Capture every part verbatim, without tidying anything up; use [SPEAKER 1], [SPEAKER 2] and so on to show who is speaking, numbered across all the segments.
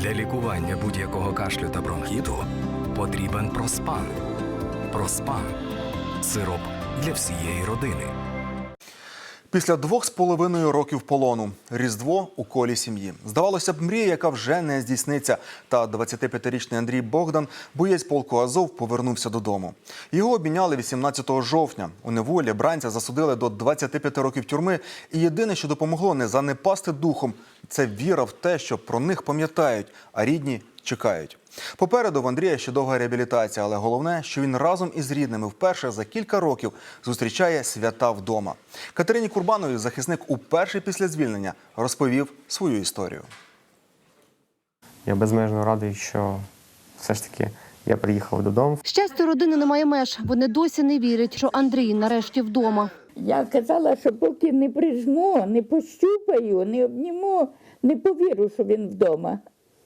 [SPEAKER 1] Для лікування будь-якого кашлю та бронхіту потрібен Проспан. Проспан – сироп для всієї родини.
[SPEAKER 2] Після двох з половиною років полону. Різдво у колі сім'ї. Здавалося б, мрія, яка вже не здійсниться. Та двадцятип'ятирічний Андрій Богдан, боєць полку Азов, повернувся додому. Його обміняли вісімнадцятого жовтня. У неволі бранця засудили до двадцяти п'яти років тюрми. І єдине, що допомогло не занепасти духом – це віра в те, що про них пам'ятають, а рідні чекають. Попереду в Андрія ще довга реабілітація, але головне, що він разом із рідними вперше за кілька років зустрічає свята вдома. Катерині Курбановій захисник уперше після звільнення розповів свою історію.
[SPEAKER 3] Я безмежно радий, що все ж таки я приїхав додому.
[SPEAKER 4] Щастя родини немає меж. Вони досі не вірять, що Андрій нарешті вдома.
[SPEAKER 5] Я казала, що поки не прижму, не пощупаю, не обніму, не повірю, що він вдома.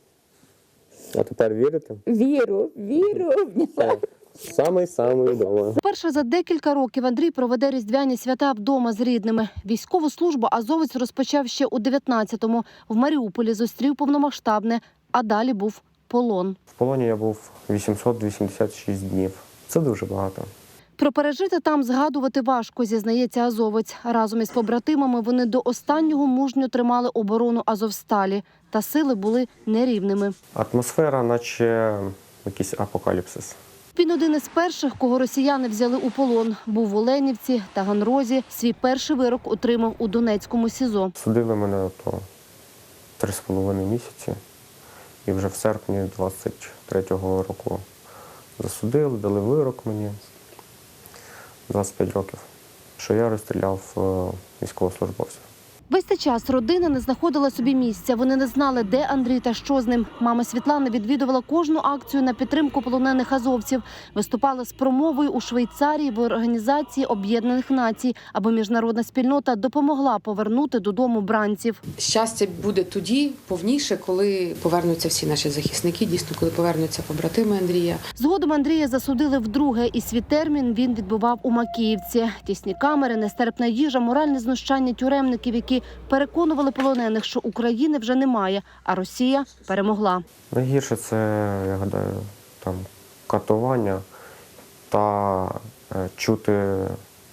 [SPEAKER 3] А тепер вірите?
[SPEAKER 5] Віру, віру обняла.
[SPEAKER 3] Самий-самий вдома.
[SPEAKER 4] Вперше за декілька років Андрій проведе різдвяні свята вдома з рідними. Військову службу азовець розпочав ще у дев'ятнадцятому. В Маріуполі зустрів повномасштабне, а далі був полон.
[SPEAKER 3] В полоні я був вісімсот вісімдесят шість днів. Це дуже багато.
[SPEAKER 4] Про пережити там згадувати важко, зізнається азовець. Разом із побратимами вони до останнього мужньо тримали оборону Азовсталі. Та сили були нерівними.
[SPEAKER 3] Атмосфера, наче якийсь апокаліпсис.
[SPEAKER 4] Він один із перших, кого росіяни взяли у полон. Був в Оленівці, Таганрозі. Свій перший вирок отримав у Донецькому СІЗО.
[SPEAKER 3] Судили мене то три з половиною місяці. І вже в серпні двадцять третього року засудили, дали вирок мені. двадцять п'ять років, що я розстріляв військовослужбовців.
[SPEAKER 4] Весь цей час родина не знаходила собі місця. Вони не знали, де Андрій та що з ним. Мама Світлана відвідувала кожну акцію на підтримку полонених азовців. Виступала з промовою у Швейцарії в Організації Об'єднаних Націй, аби міжнародна спільнота допомогла повернути додому бранців.
[SPEAKER 6] Щастя буде тоді повніше, коли повернуться всі наші захисники, дійсно, коли повернуться побратими Андрія.
[SPEAKER 4] Згодом Андрія засудили вдруге, і свій термін він відбував у Макіївці. Тісні камери, нестерпна їжа, моральне знущання тюремників, які переконували полонених, що України вже немає, а Росія перемогла.
[SPEAKER 3] Найгірше це, я гадаю, там катування та е, чути е,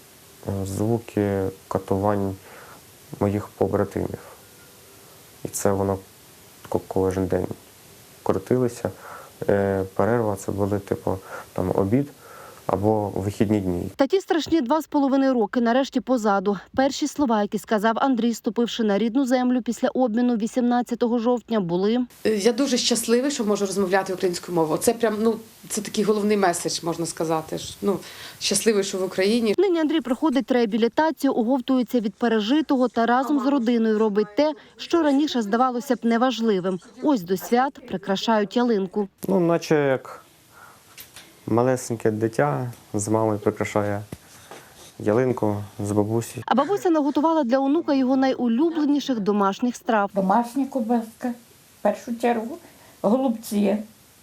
[SPEAKER 3] звуки катувань моїх побратимів. І це воно кожен день крутилося. Е, перерва це були типу там обід або вихідні дні.
[SPEAKER 4] Та ті страшні два з половиною роки нарешті позаду. Перші слова, які сказав Андрій, ступивши на рідну землю після обміну вісімнадцятого жовтня, були:
[SPEAKER 6] Я дуже щасливий, що можу розмовляти українською мовою. Це прям, ну, це такий головний меседж, можна сказати. Ну, щасливий, що в Україні.
[SPEAKER 4] Нині Андрій проходить реабілітацію, оговтується від пережитого та разом з родиною робить те, що раніше здавалося б неважливим. Ось до свят прикрашають ялинку.
[SPEAKER 3] Ну, наче як малесеньке дитя з мамою прикрашає ялинку з бабусі.
[SPEAKER 4] А бабуся наготувала для онука його найулюбленіших домашніх страв.
[SPEAKER 5] Домашня кубаска, в першу чергу, голубці,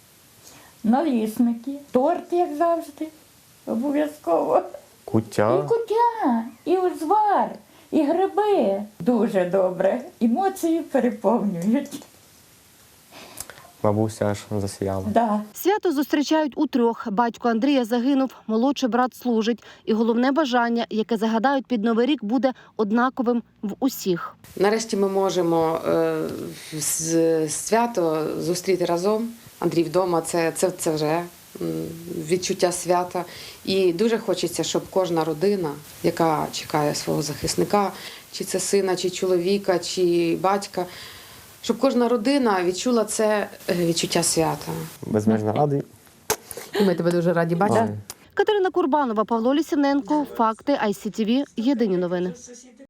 [SPEAKER 5] налісники, торт, як завжди, обов'язково.
[SPEAKER 3] Куття.
[SPEAKER 5] І куття, і узвар, і гриби. Дуже добре. Емоції переповнюють.
[SPEAKER 3] Бабуся аж засіяла.
[SPEAKER 5] Да.
[SPEAKER 4] Свято зустрічають утрьох. Батько Андрія загинув, молодший брат служить. І головне бажання, яке загадають під Новий рік, буде однаковим в усіх.
[SPEAKER 6] Нарешті ми можемо е, з- свято зустріти разом. Андрій вдома – це, це, це вже м, відчуття свята. І дуже хочеться, щоб кожна родина, яка чекає свого захисника, чи це сина, чи чоловіка, чи батька, щоб кожна родина відчула це відчуття свята.
[SPEAKER 3] Безмежно радий.
[SPEAKER 6] І ми тебе дуже раді бачити.
[SPEAKER 3] Ой.
[SPEAKER 4] Катерина Курбанова, Павло Лісівненко. Факти ай сі ті ві. Єдині новини.